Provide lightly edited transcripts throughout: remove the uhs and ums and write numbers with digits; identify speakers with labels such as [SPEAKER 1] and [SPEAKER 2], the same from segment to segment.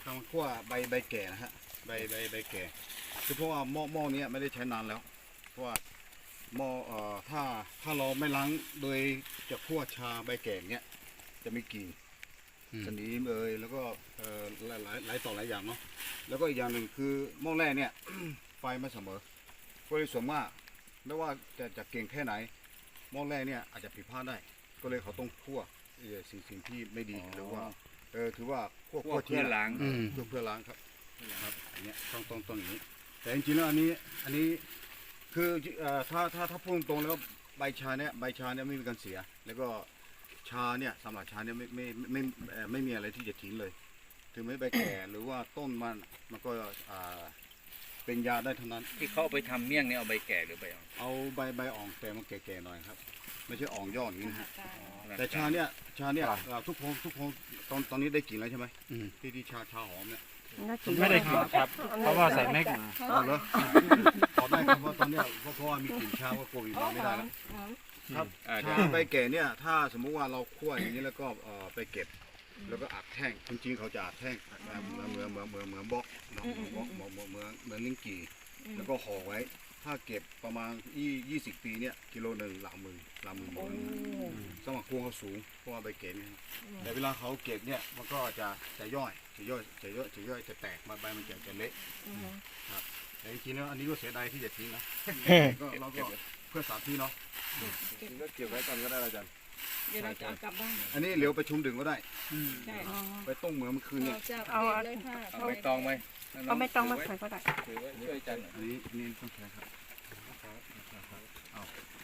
[SPEAKER 1] ำคั่วใบแก่นะฮะใบแก่คือเพราะว่าหม้อนี้ไม่ได้ใช้นานแล้วเพราะว่าหม้อถ้าเราไม่ล้างโดยจะคั่วชาใบแก่เนี้ยจะมีกลิ่นสนิมแล้วก็หลายต่อหลายอย่างเนาะแล้วก็อีกอย่างหนึ่งคือหม้อแรกเนี่ย ไฟไม่เสมอก็เลยส่วนมากไม่ว่าจะเก่งแค่ไหนหม้อแรกเนี่ยอาจจะผิดพลาดได้ก็เลยเขาต้องคั่วสิ่งที่ไม่ดีหรือว่าถือว่าคั่วเพื่อล้างเพื่อล้างครับอันนี้ต้องอย่างนี้แต่จริงๆแล้วอันนี้คือถ้าพูดตรงๆแล้วใบชาเนี่ยไม่มีการเสียแล้วก็ชาเนี่ยสำหรับชาเนี่ยไม่มีอะไรที่จะทิ้งเลยถึงไม่ใบแก่หรือว่าต้นมันก็เป็นยาได้ทั้งนั้น
[SPEAKER 2] ที่เขาเอาไปทำเมี่ยงเนี่ยเอาใบแก่หรือใบอ่อน
[SPEAKER 1] เอาใบอ่อนแต่มันแก่ๆหน่อยครับไม่ใช่อ่อนยอดอย่างนี้นะฮะแต่ชาเนี่ยทุกคนตอนนี้ได้กลิ่นแล้วใช่ไหมที่ชาหอมเนี่ย
[SPEAKER 3] ไม่ได้กลิ่นครับเพราะว่าใส่แม็กมา
[SPEAKER 1] เหรอขอได้ครับเพราะตอนนี้เพราะว่ามีกลิ่นชาก็โกยมาไม่ได้แล้วครับชาใบแก่เนี่ยถ้าสมมุติว่าเราคั่วอย่างนี้แล้วก็ไปเก็บแล้วก็อัดแท่งจริงๆเขาจะอัดแท่งเหมือนบล็อกเหมือนลิ้นกี่แล้วก็ห่อไว้ถ้าเก็บประมาณ20 ปีเนี่ยกิโลหนึ่งหลังมือสมัครพวงเขาสูงเพราะว่าใบเก๋เนี่ยแต่เวลาเขาเก็บเนี่ยมันก็จะย่อยจะแตกใบมันจะเละครับแต่จริงๆแล้วอันนี้ก็เสียดายที่จะทิ้งนะก็เราก็เพื่อสาธิตเนาะก็เก็บไว้ก่อนก็ได้อาจารย์
[SPEAKER 4] เดี๋ยวเราจะเอากลับบ้าน
[SPEAKER 1] อันนี้เหลียวไปชุมดึงก็ได้
[SPEAKER 4] ใช่
[SPEAKER 1] ไปต้มเหมือนเมื่อคืนเนี่ย
[SPEAKER 4] เอาเลยค่ะ
[SPEAKER 2] เอาไม่ตองไหม
[SPEAKER 4] เอาไม่ต้องมาใส่ก็ได้
[SPEAKER 2] ช่วยจัน
[SPEAKER 1] อันนี้ต้องใช้ครับเอา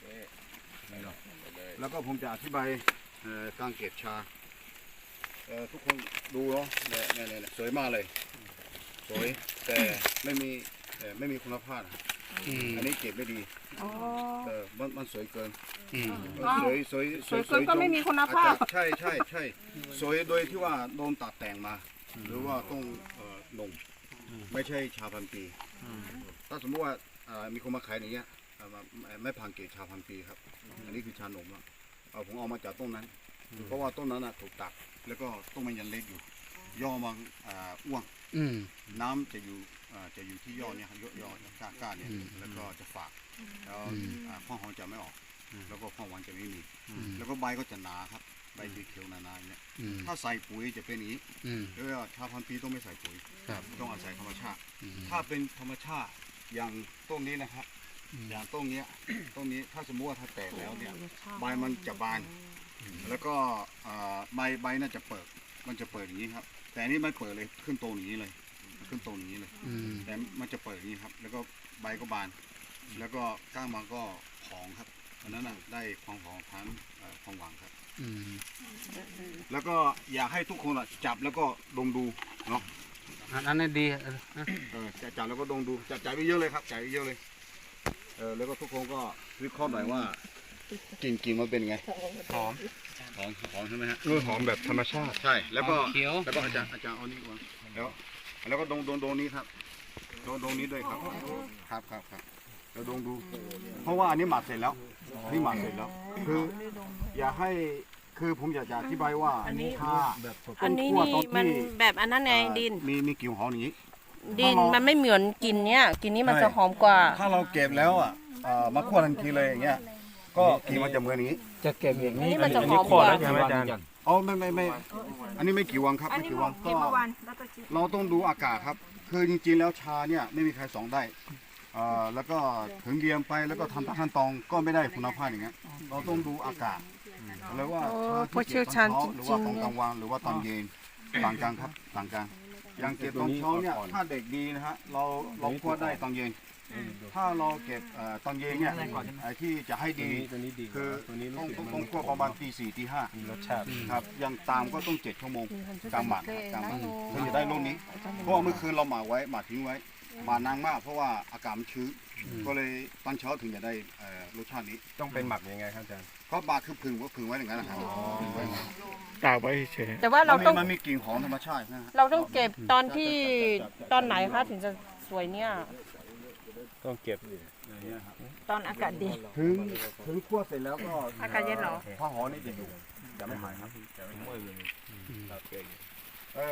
[SPEAKER 1] แล้วก็ผมจะอธิบายการเก็บชาทุกคนดูเนาะเนี่ยสวยมากเลยสวยแต่ไม่มีคุณภาพอันนี้เก็บไม่ดีมันสวยเกินสวย
[SPEAKER 4] ก็ไม่มีคุณภาพ
[SPEAKER 1] ใช่สวยโดยที่ว่าโดนตัดแต่งมาหรือว่าต้องนมไม่ใช่ชาพันปีถ้าสมมติว่ามีคนมาขายอย่างเงี้ยไม่ผ่านเกณฑ์ชาพันปีครับอันนี้คือชานมผมเอามาจากต้นนั้นเพราะว่าต้นนั้นถูกตัดแล้วก็ต้นมันยังเล็กอยู่ย่อมาอ้วงน้ำจะอยู่ที่ยอดเนี่ยยอดก้านเนี่ยแล้วก็จะฝากแล้วข้อหอมจะไม่ออกแล้วก็ข้อหวานจะไม่มีแล้วก็ใบก็จะหนาครับใบเขียวๆหนาๆเนี่ยถ้าใส่ปุ๋ยจะเป็นอย่างนี้แล้วชาพันปีต้องไม่ใส่ปุ๋ยต้องอาศัยธรรมชาติถ้าเป็นธรรมชาติอย่างต้นนี้นะครับอย่างต้นนี้ถ้าสมมติว่าถ้าแตกแล้วเนี่ยใบมันจะบานแล้วก็ใบน่าจะเปิดมันจะเปิดอย่างนี้ครับแต่อันนี้ไม่เปิดเลยขึ้นโตอย่างนี้เลยแต่มันจะเปิดอย่างนี้ครับแล้วก็ใบก็บานแล้วก็ก้างมันก็ผองครับอันนั้นได้ความหอมพันความหวานครับแล้วก็อยากให้ทุกคนจับแล้วก็ดมดูเนาะ
[SPEAKER 3] อันนี้ดี
[SPEAKER 1] จะจับแล้วก็ดมดูจับไปเยอะเลยครับจ่ายไปเยอะเลยแล้วก็ทุกคนก็วิเคราะห์หน่อยว่ากลิ่นมันเป็นไง
[SPEAKER 3] หอม
[SPEAKER 1] ใช่ไหมฮะ
[SPEAKER 3] หอมแบบธรรมชาติ
[SPEAKER 1] ใช่แล้วก็อาจารย์เอานี่ก่อนแล้วก็ดงนี้ครับดงนี้ด้วยครับแล้วดงดูเพราะว่าอันนี้หมักเสร็จแล้วคืออย่าให้คือผมอยากจะอธิบายว่าอันนี้
[SPEAKER 4] อันนี้นี่มันแบบอันนั้นไงดิน
[SPEAKER 1] มีกลิ่นหอมอย่างนี้
[SPEAKER 4] ดินมันไม่เหมือนกินเนี้ยกินนี้มันจะหอมกว่า
[SPEAKER 1] ถ้าเราเก็บแล้วมาคั่วทันทีเลยอย่างเงี้ยก็กลิ่นมันจะเหมือนนี้
[SPEAKER 3] จะเก็บอย่างนี้
[SPEAKER 4] มันจะหอมกว่า
[SPEAKER 3] ใช่ไหมอาจารย์
[SPEAKER 1] ไม่อันนี้ไม่กี่วันครับไม่กี่วันก็เราต้องดูอากาศครับคือจริงๆแล้วชาเนี่ยไม่มีใครสองได้แล้วก็ถึงเรียมไปแล้วก็ทำขั้นตอนก็ไม่ได้คุณภาพอย่างเงี้ยเราต้องดูอากาศแล้วว่า
[SPEAKER 4] ผู้เชี่ยวชาญจริง
[SPEAKER 1] หรือว่าตอนกลางวันหรือว่าตอนเย็นต่างกันครับต่างกันอย่างเก็บตอนเช้าเนี่ยถ้าเด็กดีนะฮะเราคั่วได้ตอนเย็นถ้าเราเก็บตอนเย็นเนี่ยที่จะให้ดีคือต้องคั่วประมาณตี 4 ตี 5
[SPEAKER 3] รสชาติ
[SPEAKER 1] ครับยังตามก็ต้อง7 ชั่วโมงกลางหมักถึงจะได้รสนี้เพราะเมื่อคืนเราหมักทิ้งไว้หมักนานมากเพราะว่าอากาศมันชื้นก็เลยตอนเช้าถึงจะได้รสชาตินี้
[SPEAKER 3] ต้องเป็นหมักยังไงครับอาจารย์
[SPEAKER 1] ก็หมักคือผึ่งไว้อย่างนั้นนะครับ
[SPEAKER 3] ตากไว้เฉย
[SPEAKER 4] แต่ว่าเราต้อง
[SPEAKER 1] มันมีกลิ่นหอมธรรมชาตินะ
[SPEAKER 4] เราต้องเก็บตอนไหนคะถึงจะสวยเนี่ย
[SPEAKER 3] ต้องเก็บ
[SPEAKER 4] ตอนอากาศดี
[SPEAKER 1] ถึงคั่วเสร็จแล้วก็
[SPEAKER 4] อากาศเย็นเหรอ
[SPEAKER 1] ผ้าห่อนี่จะอยู่จะไม่หายครับจะไม่เมื่อยเลย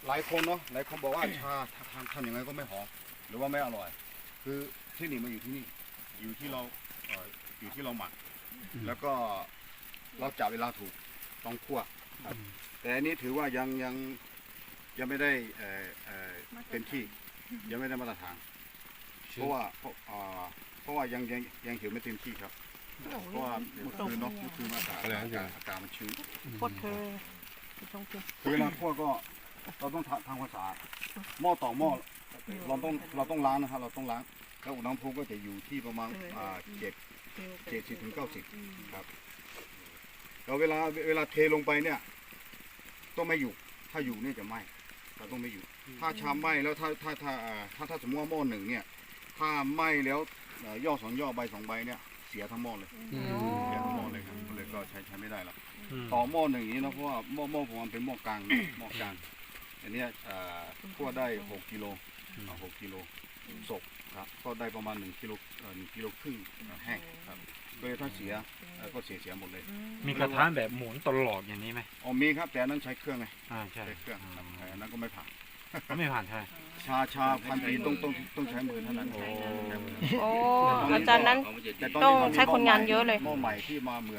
[SPEAKER 1] หลายคนเนาะหลายคนบอกว่าชาทำยังไงก็ไม่หอมหรือว่าไม่อร่อย คือเทคนิคมันอยู่ที่นี่อยู่ที่เราอยู่ที่เราหมักแล้วก็เราจับเวลาถูกต้องคั่วครับแต่อันนี้ถือว่ายังไม่ได้เป็นที่ยังไม่ได้มาตรฐานเพราะว่ายังเหี่ยวไม่เต็มที่ครับเพราะว่าเมื่อคืนเนาะเมื่อคืนอากาศมันชื้น
[SPEAKER 4] ปดเธอต้องกิน
[SPEAKER 1] คือเวลาคั่วก็เราต้องทำความสะอาดหม้อต่อหม้อเราต้องล้างนะครับเราต้องล้างแล้วอุณหภูมิก็จะอยู่ที่ประมาณ70 ถึง 90ครับแล้วเวลาเทลงไปเนี่ยต้องไม่อยู่ถ้าอยู่เนี่ยจะไหม้เราต้องไม่อยู่ถ้าชามไหม้แล้วถ้าสมมติว่าหม้อหนึ่งเนี่ยถ้าไหม้แล้วย่อสองย่อใบ2 ใบเนี่ยเสียทั้งหม้อเลยเสียทั้งหม้อเลยครับก็เลยก็ใช้ไม่ได้แล้วต่อหม้อหนึ่งอย่างนี้นะเพราะว่าหม้อผมมันเป็นหม้อกลางหม้อกลางอันนี้คั่วได้6 กิโล6 กิโลสดครับก็ได้ประมาณ1 กิโล1 กิโลครึ่งแห้งครับโดยถ้าเสียก็เสียหมดเลย
[SPEAKER 3] มีกระทะแบบหมุนตลอดอย่างนี้ไหม
[SPEAKER 1] อ๋อมีครับแต่อันนั้นใช้เครื่องไง
[SPEAKER 3] ใช่
[SPEAKER 1] ใช้เครื่องครับอันนั้นก็ไม่ผ่าน
[SPEAKER 3] ก็ไม่ผ่านใช่
[SPEAKER 1] ชาพันปีต้องใช้มือเท่านั้น
[SPEAKER 3] โอ้
[SPEAKER 4] โอ้อาจารย์นั้น
[SPEAKER 1] แต่ต
[SPEAKER 4] ต้อง
[SPEAKER 1] มั
[SPEAKER 4] ใช้คนงานเยอะเลย
[SPEAKER 1] หม้อใหม่ที่มาเหมือน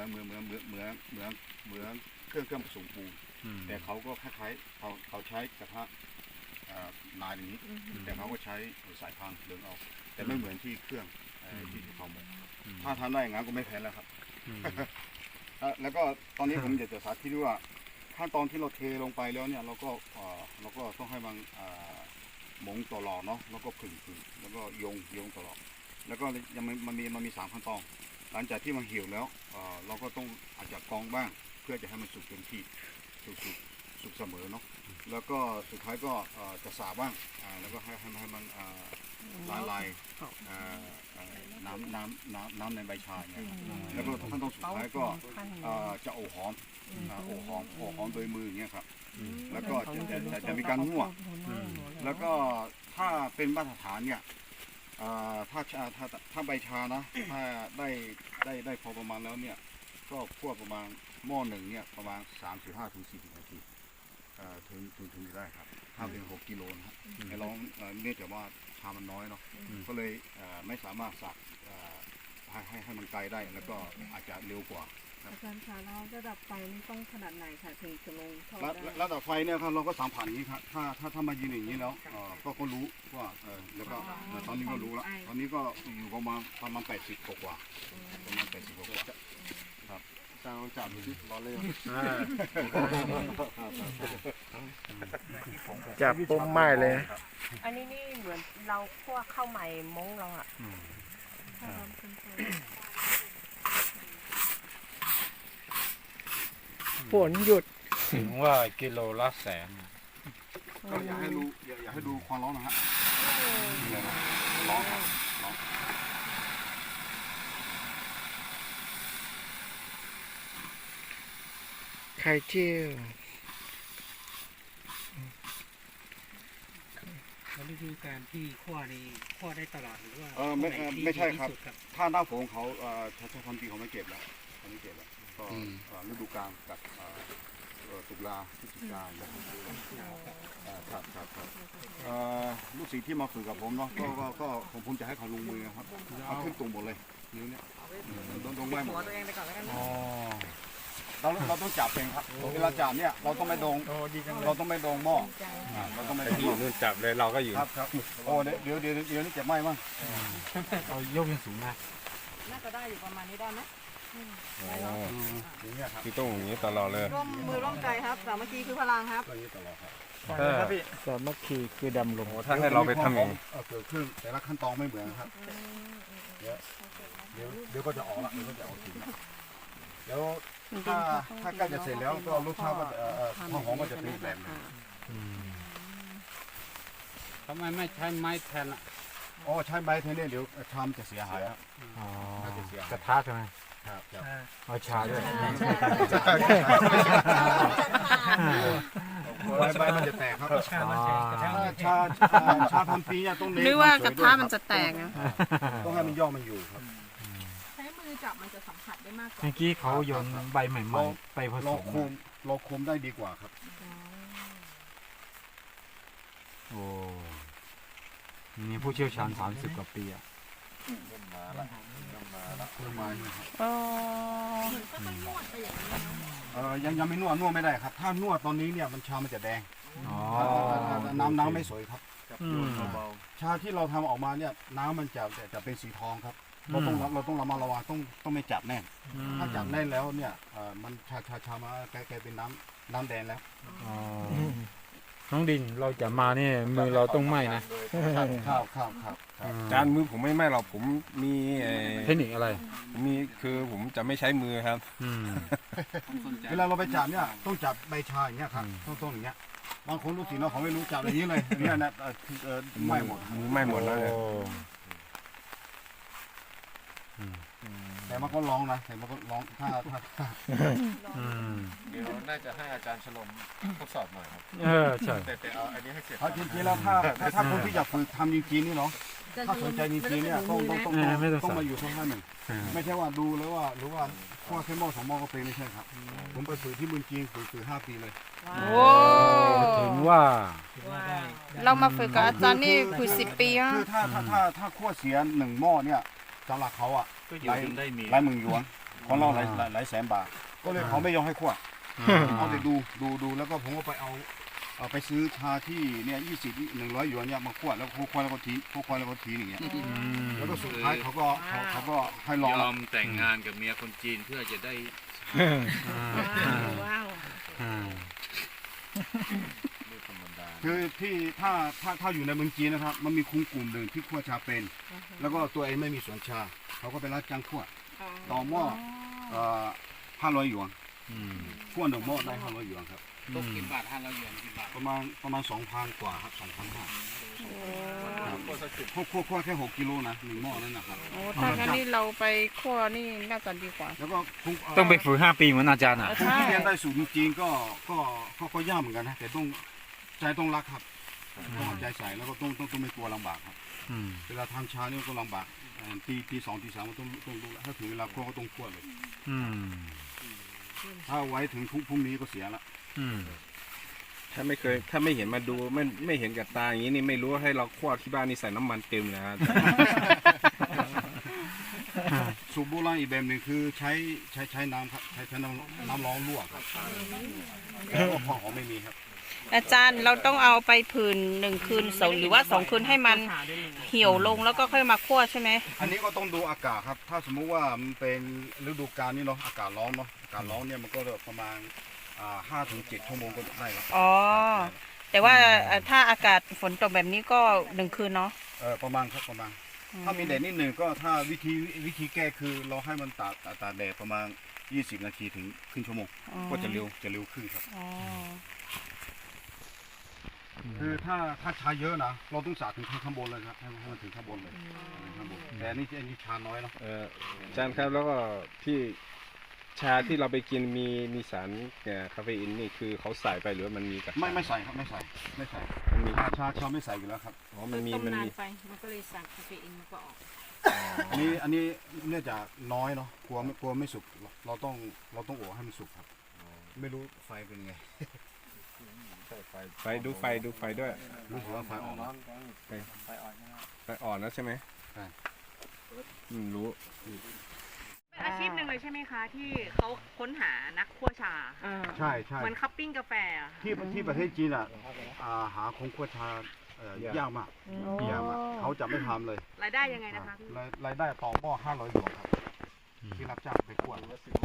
[SPEAKER 1] เครื่องผสมปูนแต่เขาก็คล้ายๆเขาใช้กระทะนานอย่างนี้แต่เขาก็ใช้สายพานเดินออกแต่ไม่เหมือนที่เครื่องที่เขาหมกถ้าทำได้อย่างนั้นก็ไม่แพ้แล้วครับแล้วก็ตอนนี้ผมอยากจะสาธิตว่าขั้นตอนที่เราเทลงไปแล้วเนี่ยเราก็ต้องให้มันหมงตลอดเนาะแล้วก็ผึ่งแล้วก็โยงตลอดแล้วก็ยังมันมี3 ขั้นตอนหลังจากที่มันเหี่ยวแล้วเราก็ต้องอาจจะกรองบ้างเพื่อจะให้มันสุกเต็มที่สุกเสมอเนาะแล้วก็สุดท้ายก็จะสาบบ้างแล้วก็ให้มันละลายน้ำในใบชาเนี่ยแล้วก็ขั้นตอนสุดท้ายก็จะโอหอมโดยมืออย่างเงี้ยครับแล้วก็จะมีการมั่วแล้วก็ถ้าเป็นมาตรฐานเนี่ยถ้าใบชานะถ้าได้พอประมาณแล้วเนี่ยก็คั่วประมาณหม้อหนึ่งเนี่ยประมาณ35 ถึง 40 นาทีถึงได้ครับถ้าเป็น6 กิโลนะครับแต่เราเนื่องจากว่าชามันน้อยเนาะก็เลยไม่สามารถสักให้มันไกลได้แล้วก็อาจจะเร็วกว่า
[SPEAKER 5] อาจารย์คะแล้วระดับไฟนี่ต้องขนาดไหนค่ะถึงจะลงทอดได้
[SPEAKER 1] ระดับไฟเนี่ยครับเราก็3 ผ่านอย่างนี้ครับถ้ามายืนอย่างนี้แล้วก็รู้ว่าแล้วก็ตอนนี้ก็รู้แล้วตอนนี้ก็อยู่ประมาณ80 กว่าประมาณ80 กว่าครับอาจารย์ลองจับดูสิร้อนเลย
[SPEAKER 3] จับปุ๊บไหม้เลย
[SPEAKER 4] อันนี้นี่เหมือนเราคั่วข้าวใหม่มงเราอ่ะ
[SPEAKER 3] ฝนหยุดถึงว่ากิโลละแสน
[SPEAKER 1] ก็อยากให้ดูความร้อนนะฮะร้อนครับร้อน
[SPEAKER 3] ไข่เจียว
[SPEAKER 6] วิธีการที่คั่วนี่คั่วได้ตลอดหรือว่า
[SPEAKER 1] ไม่ใช่ครับถ้าหน้าฝนเขาชาพันปีเขาไม่เก็บแล้วก็ฤดูกาลกับตุลาพฤศจิกาครับลูกศิษย์ที่มาฝึกกับผมเนาะก็ผมจะให้เขาลงมือครับเอาขึ้นตรงหมดเลยนิ้วเนี่ยตรงไว้หมดเราต้องจับเองครับเวลาจับเนี่ยเราต้องไม่โดนหม้อเราต้องไม่โดนหม้อ
[SPEAKER 3] นู่นจับเลยเราก็อยู่
[SPEAKER 1] ครับโอ้เดี๋ยวนี่เจ็บไหมมั้ง
[SPEAKER 3] เอายกยังสูงนะ
[SPEAKER 5] น่าจะได้อยู่ประมาณนี้ได้ไหม
[SPEAKER 1] อย่างเงี้ยครับ
[SPEAKER 3] คือต้องอย่างนี้ตลอดเลย
[SPEAKER 5] ร่วมมือร่วมใจครับสามัคคีคือพลังครับ
[SPEAKER 1] อย่างนี้ตลอดครับ
[SPEAKER 3] สามัคคีคือดำลง
[SPEAKER 1] ถ้าให้เราไปทำเองเกิดขึ้นแต่ละขั้นตอนไม่เหมือนครับเดี๋ยวก็จะออกละเดี๋ยวก็จะออกถึงแล้วถ้าใกล้จะเสร็จแล้วก็รสชาติก็ความหอมก็จะเป็นแบบนึง
[SPEAKER 6] ทำไมไม่ใช้ไม้แทนอ่ะ
[SPEAKER 1] อ๋อใช้ไม้เท่านี้เดี๋ยวชามจะเสียหายครับ
[SPEAKER 3] กระทะใช่ไหม
[SPEAKER 1] ครับ
[SPEAKER 3] เอาชาด้วย
[SPEAKER 1] ใบมันจะแตกครับชาพันปีเนี่ยต้องเน้น
[SPEAKER 4] หรือว่ากระทะมันจะแตกนะ
[SPEAKER 1] ต้องให้มันย่อมันอยู่ครับ
[SPEAKER 5] ใช้มือจับมันจะสัมผัสได้มากกว่า
[SPEAKER 3] เมื่อกี้เขาโยนใบใหม่ๆไปผส
[SPEAKER 1] เรา
[SPEAKER 3] ม
[SPEAKER 1] คุมได้ดีกว่าครับ
[SPEAKER 3] มีผู้เชี่ยวชาญ30 กว่าปีอ่ะ
[SPEAKER 4] อ๋อ
[SPEAKER 1] ยังไม่นวดไม่ได้ครับ ถ้านวดตอนนี้เนี่ยมันชามันจะแดง
[SPEAKER 3] อ๋อ
[SPEAKER 1] น้ำไม่สวยครับ
[SPEAKER 3] อืม
[SPEAKER 1] ชาที่เราทำออกมาเนี่ยน้ำมันจะเป็นสีทองครับเราต้องระมัดระวังต้องไม่จับแน่น ถ้าจับแน่นแล้วเนี่ยมันชามาแกเป็นน้ำแดงแล้ว
[SPEAKER 3] อ๋อน้องดินเราจะมาเนี่ยมือเราต้องไหม้นะ
[SPEAKER 1] ครับ
[SPEAKER 7] จานมือผมไม่ไหม้หรอกผมมี
[SPEAKER 3] เทคนิคอะไร
[SPEAKER 7] มีคือผมจะไม่ใช้มือครับ
[SPEAKER 3] อืม
[SPEAKER 1] เวลาเราไปจับเนี่ยต้องจับใบชาอย่างเงี้ยครับต้องอย่างเงี้ยบางคนรู้สิเนาะเขาไม่รู้จับอย่างนี้เลยเนี่ยนะไม่หมด
[SPEAKER 7] มือไหม้หมดแล้วเลย
[SPEAKER 3] โอ้
[SPEAKER 1] แต่มันก็ร้องนะแต่มันก็ร้องถ้า
[SPEAKER 3] อืม
[SPEAKER 2] เดี๋ยวน่าจะให้อาจารย์ฉลมทดสอบหน่อยครับ
[SPEAKER 3] ใช่
[SPEAKER 2] แต่เอาอันนี้ให้เสร็จ
[SPEAKER 1] จริงๆแล้วถ้าคนที่อยากฝึกทำจริงๆนี่เนาะถ้าสนใจจริงๆเนี่ยต้องมาอยู่สักพักหนึ่งไม่ใช่ว่าดูแล้วว่าหรือว่าข้อแค่หม้อ2 หม้อก็เป็นไม่ใช่ครับผมไปฝึกที่เมืองจีนฝึก5 ปีเลย
[SPEAKER 4] โอ้
[SPEAKER 3] ถึงว่า
[SPEAKER 4] เรามาฝึกกับอาจารย์นี่คือ10 ปีอ่ะ
[SPEAKER 1] คือถ้าขั้วเสีย1 หม้อเนี่ยสำหรับเขาอ่ะ
[SPEAKER 2] ก็อยู่จนได้มี
[SPEAKER 1] หลายหมื่นหยวนของเราหลายแสนบาทก็เลยเขาไม่ยอมให้ขั้วเอาแต่ดูแล้วก็ผมก็ไปเอาไปซื้อชาที่เนี่ย100 หยวนเนี่ยมาขั้วแล้วขั้วแล้วก็ทีอย่างเงี้ยแล้วก็สุดท้ายเขาก็ให้ลอง
[SPEAKER 2] ยอมแต่งงานกับเมียคนจีนเพื่อจะได้
[SPEAKER 5] ว้าว
[SPEAKER 1] คือที่ถ้าอยู่ในเมืองจีนนะครับมันมีกลุ่มหนึ่งที่ขั้วชาเป็น แล้วก็ตัวเองไม่มีสวนชาเขาก็ไปรับจ้างขั้วต่อหม้อ500 หยวนขั้ว1 หม้อได้500 หยวนครับ
[SPEAKER 2] ตกกี่บาท500 หยวนกี่บาท
[SPEAKER 1] ประมาณ 2,000 กว่าครับ 2,500ขั้วแค่6 กิโลนะ1 หม้อนั่นนะครับ
[SPEAKER 4] โอ้ถ้างั้นนี่เราไปคั่วนี่น่าจะดีกว่า
[SPEAKER 1] แล้วก็
[SPEAKER 3] ต้องไปฝึก5 ปีเหมือนอาจารย์อ่ะ
[SPEAKER 1] คนที่เรียนได้สูตรจริงๆก็ยากเหมือนกันนะแต่ต้องรักครับต้องเอาใจใส่แล้วก็ต้องไม่กลัวลำบากครับ
[SPEAKER 3] อืม
[SPEAKER 1] เวลาทำชานี่ก็ลำบากตี 2 ตี 3ก็ต้องดูถ้าถึงเวลาคั่วก็ต้องคั่วเลย
[SPEAKER 3] อืม
[SPEAKER 1] ถ้าไว้ถึงพรุ่งนี้ก็เสียละ
[SPEAKER 3] อืม
[SPEAKER 7] ถ้าไม่เห็นมาดูไม่เห็นกับตาอย่างนี้นี่ไม่รู้ให้เราคั่วที่บ้านนี่ใส่น้ำมันเต็มนะครับ
[SPEAKER 1] สูตรโบราณอีกแบบหนึ่งคือใช้น้ำครับใช้น้ำร้อนลวกครับแล้วก็พอหอมไม่มีครับ
[SPEAKER 4] อาจารย์เราต้องเอาไปผืน1 คืน2หรือว่า2 คืนให้มันเหี่ยวลงแล้วก็ค่อยมาคั่วใช่ไหม
[SPEAKER 1] อันนี้ก็ต้องดูอากาศครับ ถ้าสมมุติว่ามันเป็นฤดูกาลนี่เนาะอากาศร้อนเนาะอากาศร้อนเนี่ยมันก็ประมาณ5 ถึง 7 ชั่วโมงก็ได้ครับ
[SPEAKER 4] อ๋อแต่ว่าถ้าอากาศฝนตกแบบนี้ก็1 คืนเนาะ
[SPEAKER 1] ประมาณครับประมาณ ถ้ามีแดดนิดหนึ่งก็ถ้าวิธีแก้คือเราให้มันตากแดดประมาณ20 นาทีถึงครึ่งชั่วโมงก็จะเร็วขึ้นครับ
[SPEAKER 4] อ๋อ
[SPEAKER 1] คือถ้าชาเยอะนะเราต้องสาดถึงข้างบนเลยครับให้มันถึงข้างบนเลยข้างบนแต่อันนี้ชาน้อยเนาะ
[SPEAKER 7] อาจารย์ครับแล้วก็ที่ชาที่เราไปกินมีสารคาเฟอีนนี่คือเขาใส่ไปหรือว่ามันมีกับ
[SPEAKER 1] ไม่ใส่ครับไม่ใส่
[SPEAKER 7] มันมี
[SPEAKER 1] ชาไม่ใส่อยู่แล้วครับ
[SPEAKER 7] อ๋อมันมี
[SPEAKER 5] ต้ม
[SPEAKER 7] มัน
[SPEAKER 5] นาน
[SPEAKER 7] มี
[SPEAKER 5] ไปมันก็เลยสั่งคาเฟอีนมันก็ออก
[SPEAKER 1] อันนี้เนื่องจากน้อยเนาะกลัวไม่สุกเราต้องโอบให้มันสุกครับไม่รู้ไฟเป็นไง
[SPEAKER 7] ไฟดูไฟด้วย
[SPEAKER 1] รู้สึกว่าไฟอ่อนนะ
[SPEAKER 7] ไฟอ่อนแล้วใช่ไหม
[SPEAKER 1] ใช่
[SPEAKER 7] รู้
[SPEAKER 8] เป็นอาชีพหนึ่งเลยใช่ไหมคะ ที่เขาค้นหานักคั่วชา
[SPEAKER 1] ใช่
[SPEAKER 8] เหมือนคัพปิ้งกาแฟอะ
[SPEAKER 1] ที่ประเทศจีนหาคงขั้วชายากมากเขาจะไม่ทำเลย
[SPEAKER 8] รายได้ยังไงนะคะพี่
[SPEAKER 1] รายได้ต่อหม้อ500 หยวนครับที่รับจ้างไปคั่ว
[SPEAKER 4] เนาะสีห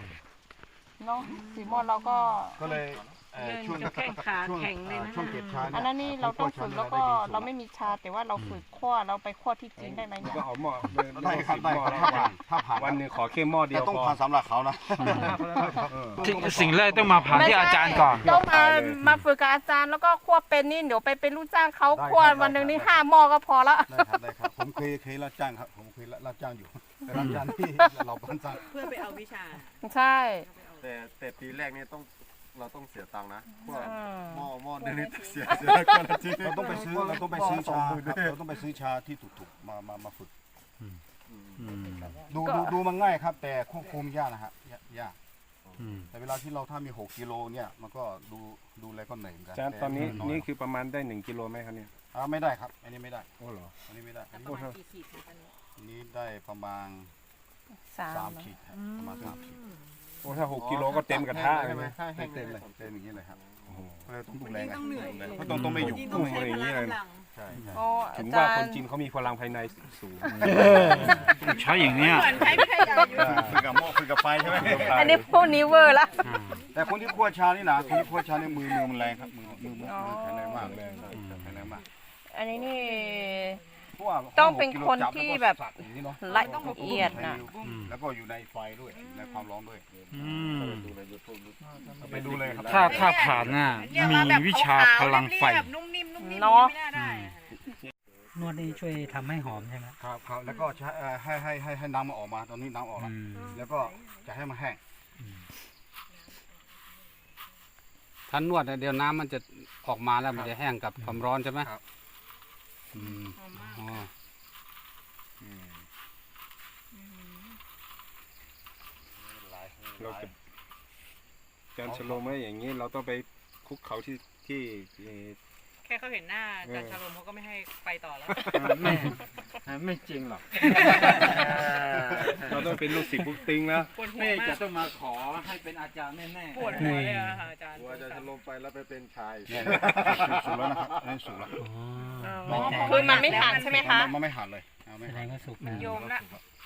[SPEAKER 4] ม้อเราก็
[SPEAKER 1] ก็เลย
[SPEAKER 5] ช่วงแข้งขาแข็งเลยนะ
[SPEAKER 1] ช่วงเก็บชา
[SPEAKER 4] อันนั้นนี่เราต้องฝึกแล้วก็เราไม่มีชาแต่ว่าเราฝึกคั่วเราไปคั่วที่จีนได้ไหมเนี่ย
[SPEAKER 7] ก็เอาหม้อ
[SPEAKER 1] ได้ครับได้ถ้าผ่าน
[SPEAKER 7] วันหนึ่งขอแค่หม้อเดียว
[SPEAKER 1] แต่ต้อง
[SPEAKER 7] พอ
[SPEAKER 1] ผ่านสำหรับเขานะ
[SPEAKER 3] สิ่งแรกต้องมาผ่านที่อาจารย์ก่อน
[SPEAKER 4] ต้องมาฝึกกับอาจารย์แล้วก็คั่วเป็นนี่เดี๋ยวไปเป็นลูกจ้างเขาคั่ววันหนึ่งนี่5 หม้อก็พอละ
[SPEAKER 1] ได้ครับผมเคยรับจ้างครับผมเคยรับจ้างอยู่แต่รับจ้างที่เราบ้านสร้าง
[SPEAKER 5] เพื่อไปเอาวิชา
[SPEAKER 4] ใช่
[SPEAKER 9] แต่ปีแรกนี่เราต้องเสียตังค์นะพวก
[SPEAKER 4] อืม
[SPEAKER 9] หม้อนึงนี่เสียคนละที
[SPEAKER 1] เราต้องไปซื้อชาครับเราต้องไปซื้อชาที่ถูกๆมาฝึกดูมันง่ายครับ แต่ควบคุมยากนะฮะยากแต่เวลาที่เราถ้ามี6 กิโลเนี่ยมันก็ดูแลก็เหนื่อยเหมือนกัน
[SPEAKER 7] อาจารย์ตอนนี้นี่คือประมาณได้1 กิโลไหมครับเนี่ย
[SPEAKER 1] ไม่ได้ครับอันนี้ไม่ได้
[SPEAKER 7] โอ้เหรอ
[SPEAKER 1] อันนี้ไม่ได้อันนี้
[SPEAKER 8] ประมาณกี่ขีดคะตอนนี้
[SPEAKER 1] อันนี้ได้ประมาณ
[SPEAKER 4] สาม
[SPEAKER 1] 3 ขีดครับประมาณ3 ขีด
[SPEAKER 7] โอ้ถ้า6 กิโลก็เต็มกระทะเลยไหม
[SPEAKER 1] เต็มเลยเต็มอย่างนี้เลยครับ
[SPEAKER 7] โอ้โห
[SPEAKER 1] ก็เลยต้องดูแลกัน
[SPEAKER 5] ต้องเหนื่อย
[SPEAKER 1] เพราะต้องไม่อยู่
[SPEAKER 5] ต้องใช้พละกำลัง
[SPEAKER 1] ใช่
[SPEAKER 4] โอ้
[SPEAKER 7] ถึ
[SPEAKER 4] อาง
[SPEAKER 7] ว่า
[SPEAKER 4] จาร
[SPEAKER 7] คน
[SPEAKER 4] ย์
[SPEAKER 7] จีนเขามีพลังภายในสูง
[SPEAKER 3] ใช้อย่างเนี้ย
[SPEAKER 5] เหมือนใช้ไม่ขยันอยู่
[SPEAKER 1] ฝึกกับหม้อฝึกกับไฟใช่ไหม
[SPEAKER 4] อันนี้พวกนี้เวอร์ละ
[SPEAKER 1] แต่คนที่คั่วชานี่นะคนที่คั่วชานี่มือมันแรงครับมือแข็งแรงมากแข็งแรงมาก
[SPEAKER 4] อันนี้นี่
[SPEAKER 1] เพราะว่า
[SPEAKER 4] ต้องเป็นคนที่แบบ
[SPEAKER 1] สักอย่างนี้เนาะ
[SPEAKER 4] ละเอียดนะ
[SPEAKER 1] แล้วก็อยู่ในไฟด้วยในความร้อนด้วย
[SPEAKER 3] อืม
[SPEAKER 1] ไปดูเลยครับ
[SPEAKER 3] ถ้าผ่านน่ะมีวิชาพลังไฟ
[SPEAKER 8] นุ่มนิ่มนุ่มนิ่ม
[SPEAKER 4] เนาะ
[SPEAKER 8] ไม่น่าได้
[SPEAKER 6] นวดนี่ช่วยทำให้หอมใช่ไหม
[SPEAKER 1] ครับครับแล้วก็ใช้ให้น้ำมันออกมาตอนนี้น้ำออกแล้วแล้วก็จะให้มันแห้ง
[SPEAKER 10] ถ้านวดเนี่ยเดี๋ยวน้ำมันจะออกมาแล้วมันจะแห้งกับความร้อนใช่ไหม
[SPEAKER 1] ครับ
[SPEAKER 10] อืมอ๋อ
[SPEAKER 7] เราจะการสโลว์ไหมอย่างนี้เราต้องไปคุกเขาที่
[SPEAKER 8] แค่เขาเห็นหน้าอาจารย์ชาลมเขาก็ไม่ให้ไปต่อแล้ว
[SPEAKER 3] ไม่จริงหรอก
[SPEAKER 7] เราต้องเป็นลูกศิษย์ปุ๊กติ้งแล้ว
[SPEAKER 8] ปวดหัว
[SPEAKER 3] แม่
[SPEAKER 8] มา
[SPEAKER 3] จะ
[SPEAKER 8] ก
[SPEAKER 3] ต้องมาขอให้เป็นอาจารย์แน่
[SPEAKER 8] ปวดหัวเลยอะค่ะอาจารย์
[SPEAKER 9] กลัวจะลงไปแล้วไปเป็นชาย
[SPEAKER 1] เนี่ยสุกแล้วนะครับอันนี้สุกแล้ว
[SPEAKER 6] อ๋อ
[SPEAKER 4] คือมันไม่ผ่านใช่ไหมคะ
[SPEAKER 1] มันไม่หันเลยไม่
[SPEAKER 6] แสด
[SPEAKER 1] หัน
[SPEAKER 6] งว่าสุกนะ
[SPEAKER 8] โยมละ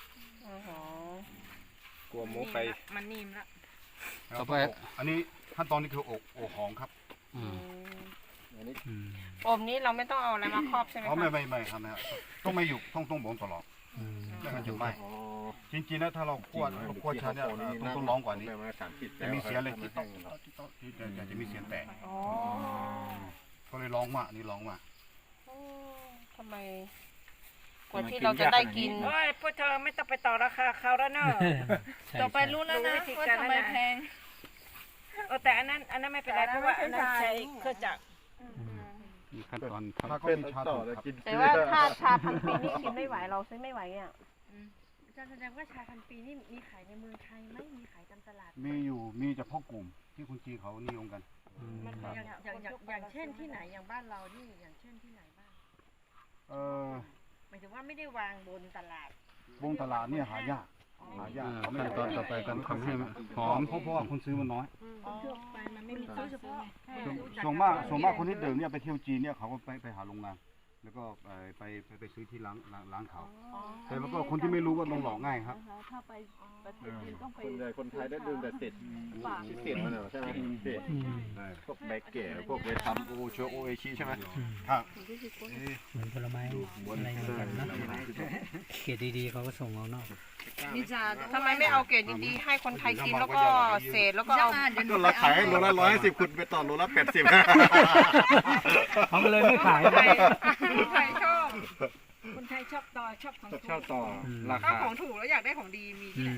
[SPEAKER 7] กลัวโม้ไป
[SPEAKER 8] มันนิ่มละ
[SPEAKER 10] ต่อไป
[SPEAKER 1] อันนี้ขั้นตอนนี้คืออกหอมครับ
[SPEAKER 10] อืมอืม
[SPEAKER 4] อมนี้เราไม่ต้องเอาอะไรมาครอบใช่ไหม
[SPEAKER 1] เขา
[SPEAKER 4] คะ
[SPEAKER 1] ไม่ครับนะครับต้องไม่อยู่ต้องบ่นตลอดไม่งั้นจะไหม้จริงๆนะถ้าเราคั่วชาเนี่ยต้องร้องกว่านี้จะมีเสียงเลยที่จะมีเสียงแตก
[SPEAKER 4] อ๋อ
[SPEAKER 1] ก็เลยร้องมากนี่ร้องมาก
[SPEAKER 4] ทำไมกว่าที่เราจะได้กิน
[SPEAKER 8] โอ้ยพวกเธอไม่ต้องไปต่อราคาเขาแล้วเนอะ
[SPEAKER 5] ต่อไปรู้แล้วนะว่าทำไมแพง
[SPEAKER 8] แต่อันนั้นไม่เป็นไรเพราะว่าอันนั้นใช้เครื่องจักร
[SPEAKER 10] มีขั้นตอน
[SPEAKER 1] ถ้าก็มีชา
[SPEAKER 9] ต่อ
[SPEAKER 1] ถูก
[SPEAKER 9] แล้ว
[SPEAKER 1] ครับ
[SPEAKER 9] กิน
[SPEAKER 4] แต่ว่าถ้าชาพันปีนี่กินไม่ไหวเราซื้อไม่ไหวอ่ะ
[SPEAKER 8] อาจารย์แสดงว่าชาพันปีนี่มีขายในเมืองไทยไหมมีขายตามตลาด
[SPEAKER 1] มีเฉพาะกลุ่มที่คนจีนเขานิยมกัน
[SPEAKER 8] อย่างเช่นที่ไหนอย่างบ้านเรานี่อย่างเช่นที่ไหนบ้าง หมายถึงว่าไม่ได้วางบนตลาด
[SPEAKER 1] วงตลาดเนี่ยหายากเขาไม่
[SPEAKER 10] ขั้นตอนต่อไปการทำให้มันหอม
[SPEAKER 1] เพราะว่าคนซื้อมันน้อย
[SPEAKER 8] ทั่วไปมันไม่มีซื้อเฉพาะ
[SPEAKER 1] ส่วนมากคนที่ดื่มเนี่ยไปเที่ยวจีนเนี่ยเขาก็ไปหาโรงงานแล้วก็ไปซื้อที่ร้านเขาแต่มันก็คนที่ไม่รู้ก็ต้องหลอกง่ายครับ
[SPEAKER 5] ถ้าไปประเทศจีนต้องไป
[SPEAKER 9] ส่วนใหญ่คนไทยได้ดื่มแต่ติดติดมันเหรอใช่ไหมติดพวกแบกเก๋พวกเวทัมโอเชโอเอชิใช่ไหม
[SPEAKER 1] ครับ
[SPEAKER 6] เหมือนผลไม้อะไรเหมือนกันนะเกรดดีๆเขาก็ส่งเอานอก
[SPEAKER 5] วิจารณ์
[SPEAKER 4] ทำไมไม่เอาเกรดดีๆให้คนไทยกินแล้วก็เศษแล้วก็เอา
[SPEAKER 9] ก็เราขายโลละ150คุณไปต่อโลละ80
[SPEAKER 6] เขาก็เลยไม่ขาย
[SPEAKER 8] คนไทยชอบ
[SPEAKER 5] คนไทยชอบต่อชอบของถูก
[SPEAKER 3] ชอบต่อรา
[SPEAKER 8] ถ้า
[SPEAKER 3] คา
[SPEAKER 8] ของถูกแล้วอยากได้ของดีมีที่ไหน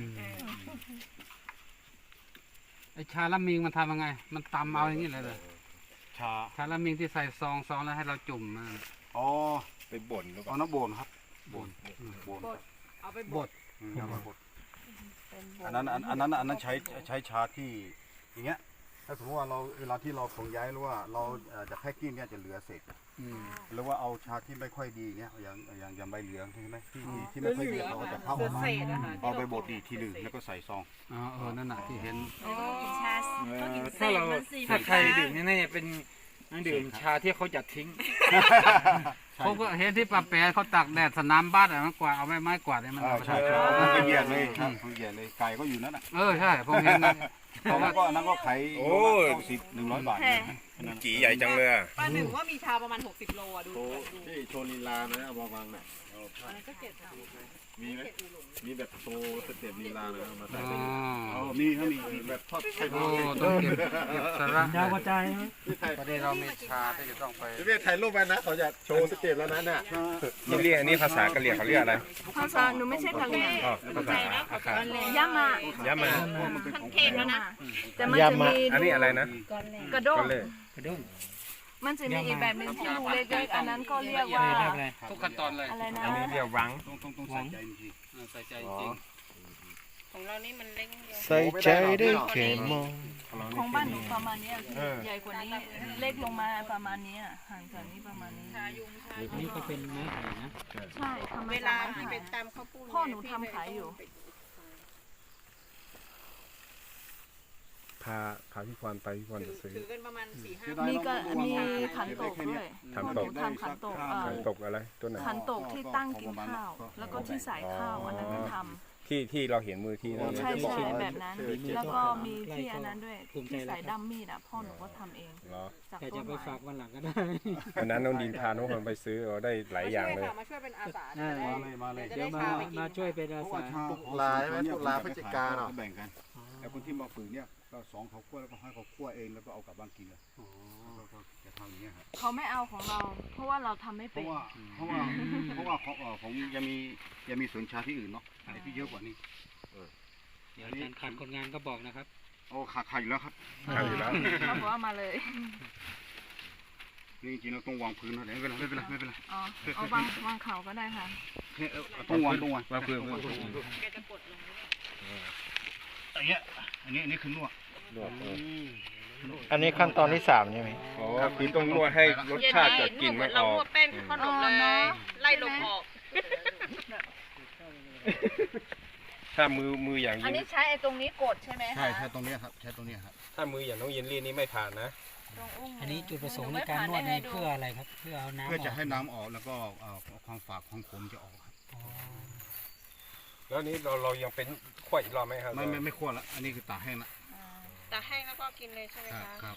[SPEAKER 10] ไอชาละมิงมันทำยังไง มันตำเอาอย่างนี้เลยเลย
[SPEAKER 1] ชา
[SPEAKER 10] ชาละมิงที่ใส่ซองแล้วให้เราจุ่มนะ
[SPEAKER 1] อ๋อ
[SPEAKER 9] ไปบ่นหรือเปล่า
[SPEAKER 1] เอาน้ำโบนครับโบน
[SPEAKER 8] เอาไป
[SPEAKER 10] บด
[SPEAKER 1] บดอันนั้นใช้ชาที่อย่างเงี้ยถ้าสมมติว่าเราเวลาที่เราขนย้ายหรือว่าเราจะแพ็กกิ้งเนี่ยจะเหลือเศษ หรือว่าเอาชาที่ไม่ค่อยดีเงี้ยอย่างใบเหลืองใช่ไหมที่ไม่ค่อยดีเราก็จะเข้าออกมา
[SPEAKER 8] เศษนะคะ
[SPEAKER 1] เอาไปบดอีกทีหนึ่งแล้วก็ใส่ซอง
[SPEAKER 10] อ๋อนั่นน่ะที่เห็น
[SPEAKER 3] ถ้าใครดื่มนี่เป็นดื่มชาที่เขาจะทิ้ง
[SPEAKER 10] เขาก็เห็นที่ปลาแปรเขาตักแดดสนามบ้านอะมันกวาดเอาไม้กวาดเนี่ยมันเอาไป
[SPEAKER 1] ใช่
[SPEAKER 10] ใช้
[SPEAKER 1] มันละเอียดเลยครับละเอียดเลยไก่ก็อยู่นั่นน่ะ
[SPEAKER 10] ใช่ผมเห็นนะ
[SPEAKER 1] เพราะว่าก็นั้นก็ขาย100 บาท
[SPEAKER 9] จีใหญ่จังเลย
[SPEAKER 8] ป้าหนึ่งว่ามีชาประมาณ60 โลอ่ะดู
[SPEAKER 9] ที่โชว์ลีลานะเอามาวางหน่อย
[SPEAKER 8] ก็เก็บ
[SPEAKER 9] มีไหมมีแบบโชว์สเต็ปลีลาเลยเอามาใส่
[SPEAKER 10] อ๋อ
[SPEAKER 1] มีเขามี
[SPEAKER 9] แบบทอดไข่
[SPEAKER 10] โอ้ต้องเก็บสาระ
[SPEAKER 6] ยาวกระจาย
[SPEAKER 10] ประเดี๋ยวเรามีชาที่จะต้องไป
[SPEAKER 9] เรียกถ่ายรูปไปนะเขาจะโชว์สเต็ปแล้วนะเนี่ย
[SPEAKER 7] นี่เรียกอันนี้ภาษากะเหรี่ยงเขาเรียกอะไร
[SPEAKER 5] ภาษาหนูไม่ใช่กะเหรี่ยง
[SPEAKER 7] อ๋อภาษาอาคา
[SPEAKER 5] ยามา
[SPEAKER 7] ยามา
[SPEAKER 8] ขั้นเค็มแล้วนะ
[SPEAKER 5] แต่มันจะมี
[SPEAKER 7] อันนี้อะไรนะ
[SPEAKER 5] กระด้ง
[SPEAKER 7] ก็เลย
[SPEAKER 6] กระด้ง
[SPEAKER 5] มันจะมีอีกแบบหนึ่งที่รูเล็กๆอันนั้นก็เรียกว่า
[SPEAKER 6] เรียกอะไร
[SPEAKER 10] ทุกขั้นตอนเลย
[SPEAKER 5] อะไรนะ
[SPEAKER 7] อันนี้เรียกรัง
[SPEAKER 1] ต้องใส่ใจจริง
[SPEAKER 10] ใส่ใจจริง
[SPEAKER 4] ของเรานี่มันเล็กเดียว
[SPEAKER 9] ใส่ใจได้แค่มอง
[SPEAKER 5] ของบ้านหนูประมาณเนี้ยพี่ใหญ่กว่านี้เล็กลงมาประมาณเนี้ยห่างจากนี้ประมาณนี้
[SPEAKER 6] นี่ก็เป็นไม้ไผ่นะ
[SPEAKER 5] ใช่ทำ
[SPEAKER 4] เว
[SPEAKER 5] เว
[SPEAKER 4] ลา
[SPEAKER 5] ลา
[SPEAKER 4] ที่ไปตามข้าวปุ้น
[SPEAKER 5] พ่อหนูทำขายอยู่
[SPEAKER 7] พาพี่พรไปพี่พรจะซื้อ
[SPEAKER 8] ถือกันประมาณ4-5
[SPEAKER 5] มีก็มีขันโตกด้วย
[SPEAKER 7] ขัน
[SPEAKER 5] พ่อห
[SPEAKER 7] โต
[SPEAKER 5] นู
[SPEAKER 7] ก
[SPEAKER 5] ทำขันโตก
[SPEAKER 7] ขันตกอะไรตัวไหน
[SPEAKER 5] ขันโตกที่ตั้งกินข้าว แล้วก็ที่ใส่ข้าวอันนั้นมันทำ
[SPEAKER 7] ที่เราเห็นมือที่นั่น
[SPEAKER 5] ใช่ใช่แบบนั้น แล้วก็มีที่อันนั้นด้วยที่ใส่ด้ามมีดอ่ะพ่อหนูก็ทำเอง
[SPEAKER 7] เหรอ
[SPEAKER 5] จาก
[SPEAKER 6] แต่
[SPEAKER 5] ต้
[SPEAKER 6] จะ
[SPEAKER 5] น
[SPEAKER 6] ไป
[SPEAKER 5] ไม้
[SPEAKER 6] ฝากวันหลังก็ได้
[SPEAKER 7] วันนั้นน้องดินพาน้องพรไปซื้อได้หลายอย่างเลย
[SPEAKER 8] มาช่วยเป็นอาสา
[SPEAKER 1] มาเลย
[SPEAKER 6] เดี๋ยวมาช่วยเป็นอา
[SPEAKER 1] เพราะว่า
[SPEAKER 6] สา
[SPEAKER 1] ชาว
[SPEAKER 9] ตุลาใช่ไหมตุลาพฤศจิกาเนาะ
[SPEAKER 1] แบ่งกันแต่คนที่มาฝึกเนี่ยก็สองเขาคั่วแล้วก็ให้เขาคั่วเองแล้วก็เอากลับบ้านกินเลยก็จะทำอย่างเงี้ยครับ
[SPEAKER 5] เขาไม่เอาของเรา เพราะว่าเราทำไม่
[SPEAKER 1] เพ
[SPEAKER 5] เป็น
[SPEAKER 1] ราะว่าผมยังมีสวนชาที่อื่นเนาะอะไรที่เยอะกว่านี้
[SPEAKER 6] เดี๋ยวอาจารย์ขาดคนงานก็บอกนะครับ
[SPEAKER 1] โอ้ขาดอยู่แล้วครับ
[SPEAKER 7] ขาดอยู่แล้ว
[SPEAKER 5] เขาบอกว่ามาเลย
[SPEAKER 1] นี่จริงๆเราต้องวางพื้นนะเดี๋ยวไม่เป็นไรไม่เป็นไร
[SPEAKER 5] อ๋อเอาวางเขาก็ได้ค่ะ
[SPEAKER 1] ต้องวาง
[SPEAKER 7] พื้น
[SPEAKER 8] แกจะกดลง
[SPEAKER 1] อันนี้คือนวด
[SPEAKER 9] อันนี้ขั้นตอนที่3ใช่ไหม
[SPEAKER 7] อ๋อคือต้องนวดให้รสชาติกับกลิ่นมันอ
[SPEAKER 4] เรา
[SPEAKER 7] อก
[SPEAKER 4] นวดแป้งขนมเลยไล่ลมออก
[SPEAKER 7] ถ้ามืออย่าง
[SPEAKER 5] อัน
[SPEAKER 7] ยิน
[SPEAKER 5] นี้ใช้ไอ้ตรงนี้กดใช่ไหม
[SPEAKER 1] ใช่ตรงนี้ครับใช้ตรงนี้ครับ
[SPEAKER 7] ถ้ามืออย่างน้องเยนลี่นี่ไม่ผ่านนะ
[SPEAKER 6] อันนี้จุดประสงค์ในการนวดนี่เพื่ออะไรครับ เพื่อเอาน้ำ
[SPEAKER 1] เพื่อจะ
[SPEAKER 6] ก
[SPEAKER 1] ให้น้ำออกแล้วก็ความฝาดความขมจะออกครับ
[SPEAKER 6] อ๋อ
[SPEAKER 7] แล้วนี้เรายังเป็นขั้วอีกรอบไหมครับ
[SPEAKER 1] ไม่คั่วละอันนี้คือตากแห้งละ
[SPEAKER 4] แต่แห้งแล้วก็กินเลยใช่ไหมคะ
[SPEAKER 1] ครับ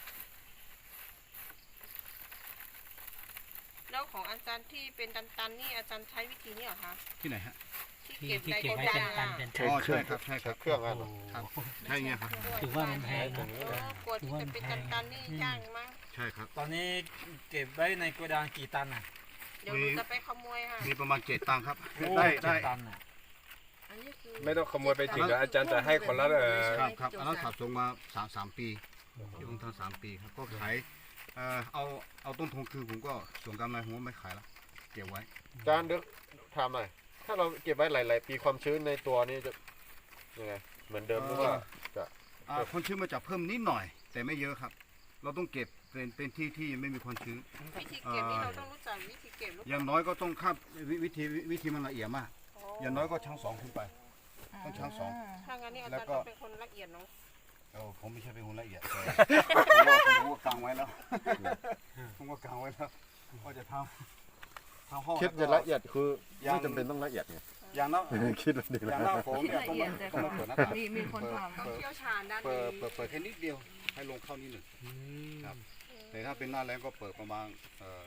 [SPEAKER 4] แล้วของอาจารย์ที่เป็นตันๆนี่อาจารย์ใช้วิธีนี้เหรอคะ
[SPEAKER 1] ที่ไหนฮะ
[SPEAKER 6] ที่เก็บไว้เป็นตันเป็น
[SPEAKER 1] อ๋อใช่ครับใช่ครับ
[SPEAKER 9] เครื่องอะไร
[SPEAKER 1] ครับใช่เงี้ยครับ
[SPEAKER 6] ถือว่ามันแพงนะ
[SPEAKER 4] กลัวที่จะเป็นตันๆนี่ยากมั้ง
[SPEAKER 1] ใช่ครับ
[SPEAKER 3] ตอนนี้เก็บไว้ในโกดังกี่ตันอ่ะ
[SPEAKER 4] เดี๋ยวหนูจะไปขโมยค่ะ
[SPEAKER 1] มีประมาณ7 ตังค์ครับ
[SPEAKER 3] ได้
[SPEAKER 1] ได้
[SPEAKER 3] ตันอ่ะ
[SPEAKER 4] อันนี้คือ
[SPEAKER 7] ไม่ต้องขโมยไปถึงแล้วอาจารย์จะให้คนละ
[SPEAKER 1] ครับอันนั้นขับส่งมา3 ปีอยู่ตั้ง3 ปีครับก็ขายเอาต้นทุนคือผมก็ส่วนกำไรผมก็ไม่ขายละเก็บไว้
[SPEAKER 9] จานเด็กถามหน่อยถ้าเราเก็บไว้หลายๆปีความชื้นในตัวนี้จะยังไงเหมือนเดิมหรือว่าจะ
[SPEAKER 1] ความชื้นมันจะเพิ่มนิดหน่อย แต่ไม่เยอะครับ เราต้องเก็บเป็นที่ที่ไม่มีความชื้น
[SPEAKER 4] วิธีเก็บนี่เราต้องรู้จักวิธีเก็บลูก
[SPEAKER 1] อย่างน้อยก็ต้องข้ามวิธีมันละเอียดมาก อย่างน้อยก็ชั้ง2ขึ้นไป ต้องชั้ง2
[SPEAKER 4] ถ้างั้นนี่อาจารย์ต้องเป็นคนละเอียดเนาะ
[SPEAKER 1] ผมไม่ใช่เป็นคนละเอียดผมก็กางไว้แล้วผมก็กางไว้แล้วก็จะทำห้อง
[SPEAKER 9] คิดจะละเอียดคือไม่จำเป็นต้องละเอียดไง
[SPEAKER 1] อย่างนั้น
[SPEAKER 9] คิดละเอียด
[SPEAKER 1] อย่างนั้นผมเนี่ยต้องมาเปิดหน้าต่าง
[SPEAKER 5] มีคนท
[SPEAKER 8] ต้องเชี่ยวชาญด้าน
[SPEAKER 1] เปิ
[SPEAKER 8] นี้
[SPEAKER 1] ดแค่นิดเดียวให้ลงเข้านิดหนึ่งครับ แต่ถ้าเป็นหน้าแรงก็เปิดประมาณ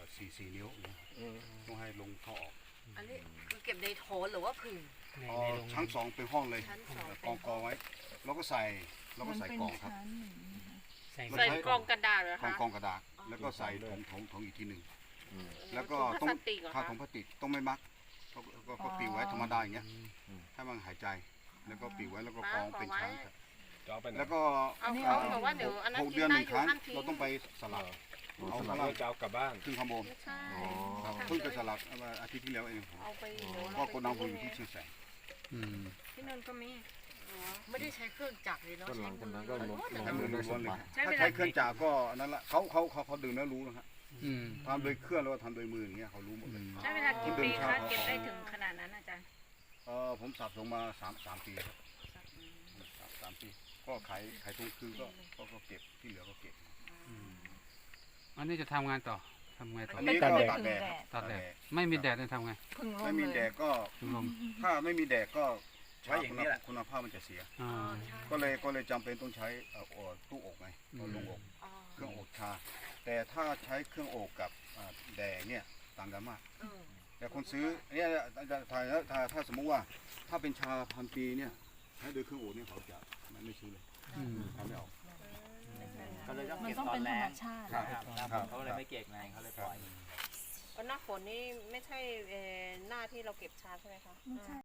[SPEAKER 1] 4 นิ้วต้องให้ลงเข้าออก
[SPEAKER 8] อันนี้คือเก็บในโถหรือว่าผึ่ง
[SPEAKER 1] ชั้น2เป็นห้องเลยกองไว้แล้วก็ใส่
[SPEAKER 5] ำ
[SPEAKER 1] กล่องครับ
[SPEAKER 6] ใส่
[SPEAKER 4] ใส่กล่องกระดาษเหรอก
[SPEAKER 1] ล่อง
[SPEAKER 4] คะ
[SPEAKER 1] กระดาษแล้วก็ใส่ถุงอีกทีหนึ่งแล้วก็
[SPEAKER 4] ถุ
[SPEAKER 1] ต้อง
[SPEAKER 4] พลาสติกเหรอ
[SPEAKER 1] ถ้า
[SPEAKER 4] คะ
[SPEAKER 1] ถุงพลาสติกต้องไม่มัดก็ปิวไว้ธรรมดาอย่างเงี้ยให้มันหายใจแล้วก็ปิวไว้แล้วก็กองเป็นชั้นครับ
[SPEAKER 7] จะเอาไปไหน
[SPEAKER 1] แล้วก็
[SPEAKER 4] เอาบอกว่าเดี๋ยวอันนั้น
[SPEAKER 1] 6
[SPEAKER 4] กิ
[SPEAKER 1] เดื
[SPEAKER 4] น
[SPEAKER 1] อน
[SPEAKER 4] ได้
[SPEAKER 1] 1
[SPEAKER 4] อ
[SPEAKER 1] ค
[SPEAKER 4] ยู่
[SPEAKER 1] รั้ง
[SPEAKER 4] ห้ามทิ้ง
[SPEAKER 1] เราต้องไปสลับเอา
[SPEAKER 7] ส
[SPEAKER 1] ข้าง
[SPEAKER 7] ลั
[SPEAKER 1] ล่า
[SPEAKER 7] บ
[SPEAKER 1] ง
[SPEAKER 7] จะเอากลับบ้าน
[SPEAKER 1] ขึ้นข้างบน
[SPEAKER 4] ใช่
[SPEAKER 1] ครับเพิ่งจะสลับอาทิตย์ที่แล้วเอง
[SPEAKER 4] เอาไปเดี๋ยว
[SPEAKER 1] ก็โกดังผมอยู่ที่เชียงแสน
[SPEAKER 4] ที่นั่นก็มี
[SPEAKER 8] ไม่ได้ใช้เครื่องจักรเลยเนาะ
[SPEAKER 9] ต้นหลังจากนั้นก็ลง
[SPEAKER 1] ใช้มือล้วนๆเลย
[SPEAKER 8] ใช้เว
[SPEAKER 1] ถ้า
[SPEAKER 8] ลา
[SPEAKER 1] ใช้เครื่องจักรก็นั่นแหละเขาดึงแล้วรู้นะครับทำโดยเครื่องแล้วก็ทำโดยมืออย่างเงี้ยเขารู้หมดเลย
[SPEAKER 8] ใช้เวลากี่ปีคะเก็บได้ถึงขนาดนั้นอาจารย์
[SPEAKER 1] ผมสับลงมา3 ปีครับ3 ปีก็ขายตรงคืนก็เก็บที่เหลือก็เก็บ
[SPEAKER 10] อันนี้จะทำงานต่อทำไงต่อ
[SPEAKER 1] อันนี้ก็ตากแดด
[SPEAKER 10] ตัดแดดไม่มีแดดจะทำไง
[SPEAKER 5] พึ่งล
[SPEAKER 1] ไม่
[SPEAKER 5] ม
[SPEAKER 1] มี
[SPEAKER 5] เล
[SPEAKER 1] แด
[SPEAKER 5] ย
[SPEAKER 1] ดก็
[SPEAKER 10] ถึงลม
[SPEAKER 1] ถ้าไม่มีแดดก็ใช้อย่างนี้แหละคุณภาพมันจะเสีย
[SPEAKER 10] อ่า
[SPEAKER 1] ก็เลยจำเป็นต้องใช้ตู้อบไงลงอบเครื่องอบชา แต่ถ้าใช้เครื่องอบกับแดดเนี่ยต่างกันมากแต่คนซื้อเนี่ยถ้าสมมุติว่าถ้าเป็นชาพันปีเนี่ยใช้โดยเครื่องอบเนี่ยเขาจะไม่ซื้อเลยทำไม่ออก
[SPEAKER 5] มันต้องเป็นธรรมชาติ
[SPEAKER 1] เขาเลยไม่เก็บไงเขาเลยปล่อย
[SPEAKER 4] หน้าฝนนี่ไม่ใช่หน้าที่เราเก็บชาใช่ไหมคะ
[SPEAKER 5] ไม่ใช่